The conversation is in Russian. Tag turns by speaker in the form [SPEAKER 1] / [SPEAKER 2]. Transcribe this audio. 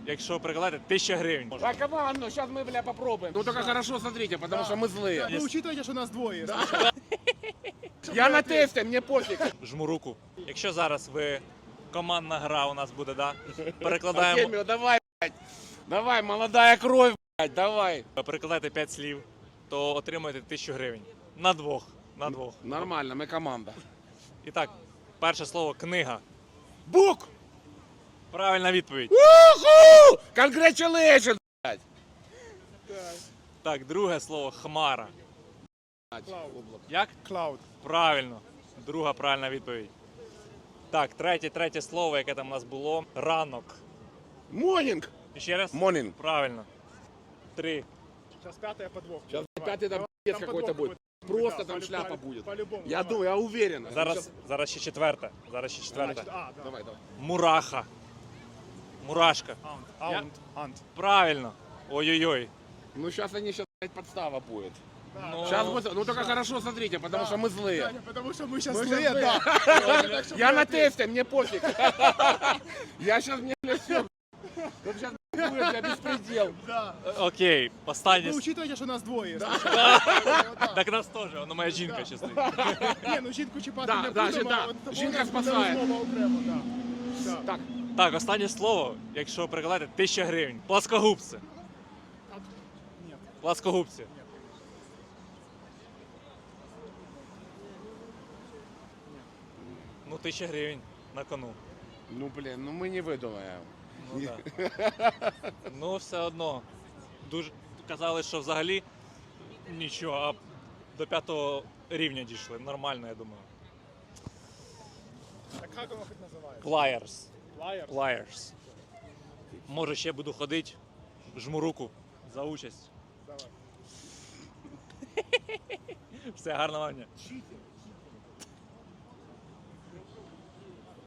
[SPEAKER 1] якщо прикладати 1000 гривень.
[SPEAKER 2] А команду, сейчас мы, бля, попробуем. Ну только хорошо смотрите, потому что мы злые.
[SPEAKER 3] Ну, учитывайте, что нас двое.
[SPEAKER 2] Я на тесте, мне пофиг.
[SPEAKER 1] Жму руку. Якщо зараз ви командна гра у нас буде, да? Перекладаємо,
[SPEAKER 2] Артемий, давай, блядь. Давай, молодая кровь, блядь, давай.
[SPEAKER 1] перекладайте 5 слів, то отримаєте 1000 гривень. На двох. На двох.
[SPEAKER 2] Нормально, мы команда.
[SPEAKER 1] І так, перше слово книга.
[SPEAKER 2] Бук!
[SPEAKER 1] Правильна відповідь.
[SPEAKER 2] Уху! Congratulations, блядь.
[SPEAKER 1] Так, друге слово хмара. Як?
[SPEAKER 3] Клауд.
[SPEAKER 1] Правильно. Друга правильна відповідь. Так, третє слово, яке там у нас було. Ранок.
[SPEAKER 2] Morning.
[SPEAKER 1] І ще раз?
[SPEAKER 2] Morning.
[SPEAKER 1] Правильно. 3.
[SPEAKER 3] Сейчас пятая подвох.
[SPEAKER 2] Сейчас опять это
[SPEAKER 3] Там
[SPEAKER 2] какой-то
[SPEAKER 3] подвох
[SPEAKER 2] будет.
[SPEAKER 3] какой-то.
[SPEAKER 2] Просто
[SPEAKER 3] Да,
[SPEAKER 2] там шляпа будет.
[SPEAKER 3] По-любому.
[SPEAKER 2] Я
[SPEAKER 3] давай.
[SPEAKER 2] думаю, я уверен.
[SPEAKER 1] Зараз ще четверте. Зараз ще четверте.
[SPEAKER 3] А, да.
[SPEAKER 2] Давай, давай.
[SPEAKER 1] Мураха. Мурашка.
[SPEAKER 3] Аунт. Ант.
[SPEAKER 1] Правильно. Ой-ой-ой.
[SPEAKER 2] Ну сейчас опять подстава будет.
[SPEAKER 1] Ну,
[SPEAKER 2] Сейчас будет, ну только хорошо смотрите, потому что мы злые.
[SPEAKER 3] Даня, потому что мы сейчас
[SPEAKER 2] Мы
[SPEAKER 3] злые,
[SPEAKER 2] щас
[SPEAKER 3] да.
[SPEAKER 2] Я на тесте, мне пофиг. Я сейчас мне все. Тут сейчас будет бля, беспредел.
[SPEAKER 3] Да.
[SPEAKER 1] Окей, останнє.
[SPEAKER 3] Ну, учитывайте, что нас двое.
[SPEAKER 1] Так нас теж, воно моя жінка ще стоїть.
[SPEAKER 3] Не, ну жінку чіпати
[SPEAKER 2] Да,
[SPEAKER 3] не
[SPEAKER 2] да,
[SPEAKER 3] будемо.
[SPEAKER 2] да.
[SPEAKER 3] от це
[SPEAKER 2] Жінка
[SPEAKER 3] буде
[SPEAKER 2] спасає.
[SPEAKER 3] розмова окремо, да. Да.
[SPEAKER 2] Так,
[SPEAKER 1] Так, останнє слово, якщо прикладати 1000 гривень. Пласкогубці.
[SPEAKER 3] Ні.
[SPEAKER 1] Пласкогубці. Ну, 1000 гривень на кону.
[SPEAKER 2] ну блин, ну мы не выдумаем.
[SPEAKER 1] Ну, да. Ну, все одно. Дуже казали, що взагалі нічого, а до 5-го рівня дійшли. Нормально, я думаю.
[SPEAKER 3] Так як воно хоч називається?
[SPEAKER 1] Pliers.
[SPEAKER 3] Liars?
[SPEAKER 1] Pliers. Може, ще буду ходити, жму руку за участь.
[SPEAKER 3] Давай.
[SPEAKER 1] Все, гарного вам дня.
[SPEAKER 3] Читер.